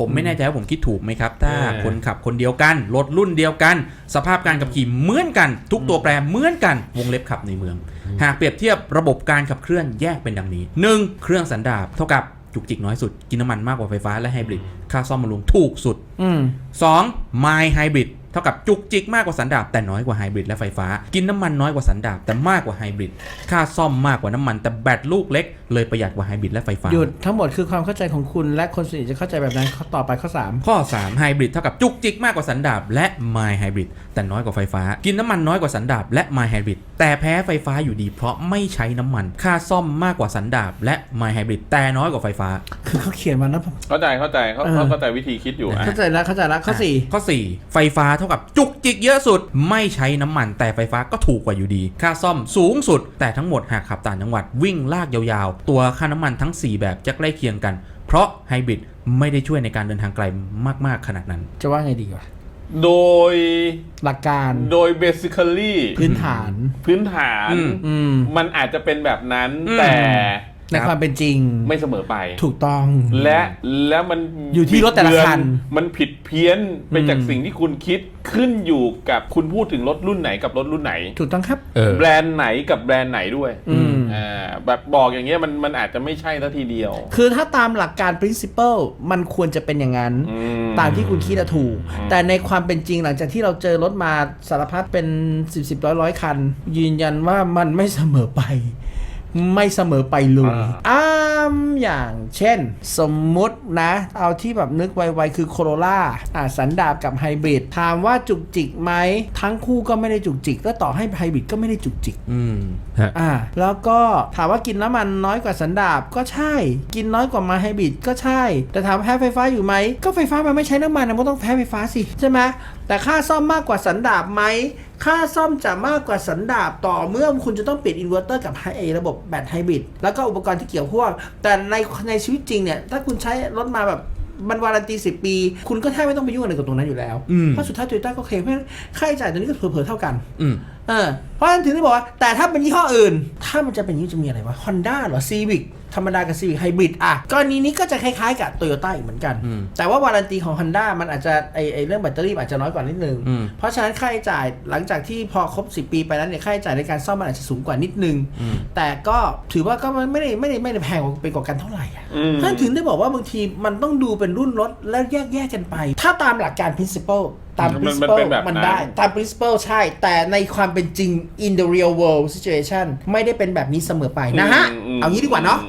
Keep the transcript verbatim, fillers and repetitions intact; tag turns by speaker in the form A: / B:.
A: ผมไม่แน่ใจว่าผมคิดถูกไหมครับถ้าคนขับคนเดียวกันรถรุ่นเดียวกันสภาพการขับขี่เหมือนกันทุกตัวแปรเหมือนกันวงเล็บขับในเมืองหากเปรียบเทียบระบบการขับเคลื่อนแยกเป็นดังนี้ หนึ่ง เครื่องสันดาปเท่ากับจุกจิกน้อยสุดกินน้ำมันมากกว่าไฟฟ้าและไฮบริดค่าซ่อมบำรุงถูกสุด สอง My Hybrid เท่ากับจุกจิกมากกว่าสันดาปแต่น้อยกว่าไฮบริดและไฟฟ้ากินน้ำมันน้อยกว่าสันดาปแต่มากกว่าไฮบริดค่าซ่อมมากกว่าน้ำมันแต่แบตลูกเล็กเลยประหยัดกว่าไฮบริดและไฟฟ้า
B: หยุดทั้งหมดคือความเข้าใจของคุณและคนส่วนใหญ่จะเข้าใจแบบนั้นข้อต่อไปข้อสาม
A: ข้อสามไฮบริดเท่ากับจุกจิกมากกว่าสันดาปและ My Hybrid แต่น้อยกว่าไฟฟ้ากินน้ำมันน้อยกว่าสันดาปและ My Hybrid แต่แพ้ไฟฟ้าอยู่ดีเพราะไม่ใช้น้ำมันค่าซ่อมมากกว่าสันดาปและ My Hybrid แต่น้อยกว่าไฟฟ้า
B: คือเขาเขียนมาแล้ว
C: เข้าใจเข้าใจเขาเข้าใจวิธีคิดอยู่
B: เข้าใจแล้วเข้าใจแล้วข้อสี่
A: ข้อสี่ไฟฟ้าเท่ากับจุกจิกเยอะสุดไม่ใช้น้ำมันแต่ไฟฟ้าก็ถูกกว่าอยู่ดีค่าซ่อมสูงสุดแต่ทั้งหมดหากขับต่างจังหวัดวิ่งลากยาวๆตัวค่าน้ำมันทั้งสี่แบบจะใกล้เคียงกันเพราะไฮบริดไม่ได้ช่วยในการเดินทางไกลมากๆขนาดนั้น
B: จะว่าไงดีวะ
C: โดย
B: หลักการ
C: โดย basically
B: พื้นฐาน
C: พื้นฐานมันอาจจะเป็นแบบนั้นแต่
B: ในความเป็นจริง
C: ไม่เสมอไป
B: ถูกต้อง
C: และแล้วมัน
B: อยู่ที่รถแต่ละคัน
C: มันผิดเพี้ยนไปจากสิ่งที่คุณคิดขึ้นอยู่กับคุณพูดถึงรถรุ่นไหนกับรถรุ่นไหน
B: ถูกต้องครับ
C: แบรนด์ไหนกับแบรนด์ไหนด้วยอ่าแบบบอกอย่างเงี้ยมันมันอาจจะไม่ใช่ซะทีเดียว
B: คือถ้าตามหลักการ principle มันควรจะเป็นอย่างนั้นตามที่คุณคิดถูกแต่ในความเป็นจริงหลังจากที่เราเจอรถมาสารพัดเป็นสิบสิบร้อยร้อยคันยืนยันว่ามันไม่เสมอไปไม่เสมอไปเลยอ้ามอย่างเช่นสมมุตินะเอาที่แบบนึกไวๆคือโคโรล่าอ่าสันดาปกับไฮบริดถามว่าจุกจิกไหมทั้งคู่ก็ไม่ได้จุกจิกแล้วต่อให้ไฮบริดก็ไม่ได้จุกจิก
A: อืม
B: อ่าแล้วก็ถามว่ากินน้ำมันน้อยกว่าสันดาปก็ใช่กินน้อยกว่ามาไฮบริดก็ใช่แต่ถามแพ้ไฟฟ้าอยู่ไหมก็ไฟฟ้ามันไม่ใช้น้ำมันมันก็ต้องแพ้ไฟฟ้าสิใช่ไหมแต่ค่าซ่อมมากกว่าสันดาปไหมค่าซ่อมจะมากกว่าสันดาปต่อเมื่อคุณจะต้องเปลี่ยนอินเวอร์เตอร์กับไฮระบบแบตไฮบริดแล้วก็อุปกรณ์ที่เกี่ยวข้องแต่ในในชีวิตจริงเนี่ยถ้าคุณใช้รถมาแบบมันวารันตีสิบปีคุณก็แทบไม่ต้องไปยุ่งอะไรกับตรงนั้นอยู่แล้วเพราะสุดท้ายโตโยต้าก็เคลมให้ค่าใช้จ่ายตัวนี้ก็เผลอๆเท่ากันเออเพราะฉะนั้นถึงได้บอกว่าแต่ถ้าเป็นยี่ห้ออื่นถ้ามันจะเป็นยี่ห้อจะมีอะไรวะ Honda เหรอ Civic ธรรมดากับ Civic Hybrid อ่ะกรณีนี้ก็จะคล้ายๆกับ Toyota อีกเหมือนกันแต่ว่าวารันตีของ Honda มันอาจจะไอไอเรื่องแบตเตอรี่อาจจะน้อยกว่านิดนึงเพราะฉะนั้นค่าใช้จ่ายหลังจากที่พอครบสิบปีไปแล้วเนี่ยค่าใช้จ่ายในการซ่อมมันอาจจะสูงกว่านิดนึงแต่ก็ถือว่าก็ไม่ได้ไม่ได้ไม่ได้แพงไปกว่ากันเท่าไหร่อ่ะท่านถึงได้บอกว่าบางทีมันต้องดูเป็นรุ่นรถแล้วแยกแยกกันไปถ้าตามหลักการ principleตาม principle มันได้ตาม principle ใช่แต่ในความเป็นจริง in the real world situation ไม่ได้เป็นแบบนี้เสมอไปนะฮะเอางี้ดีกว่าเนาะ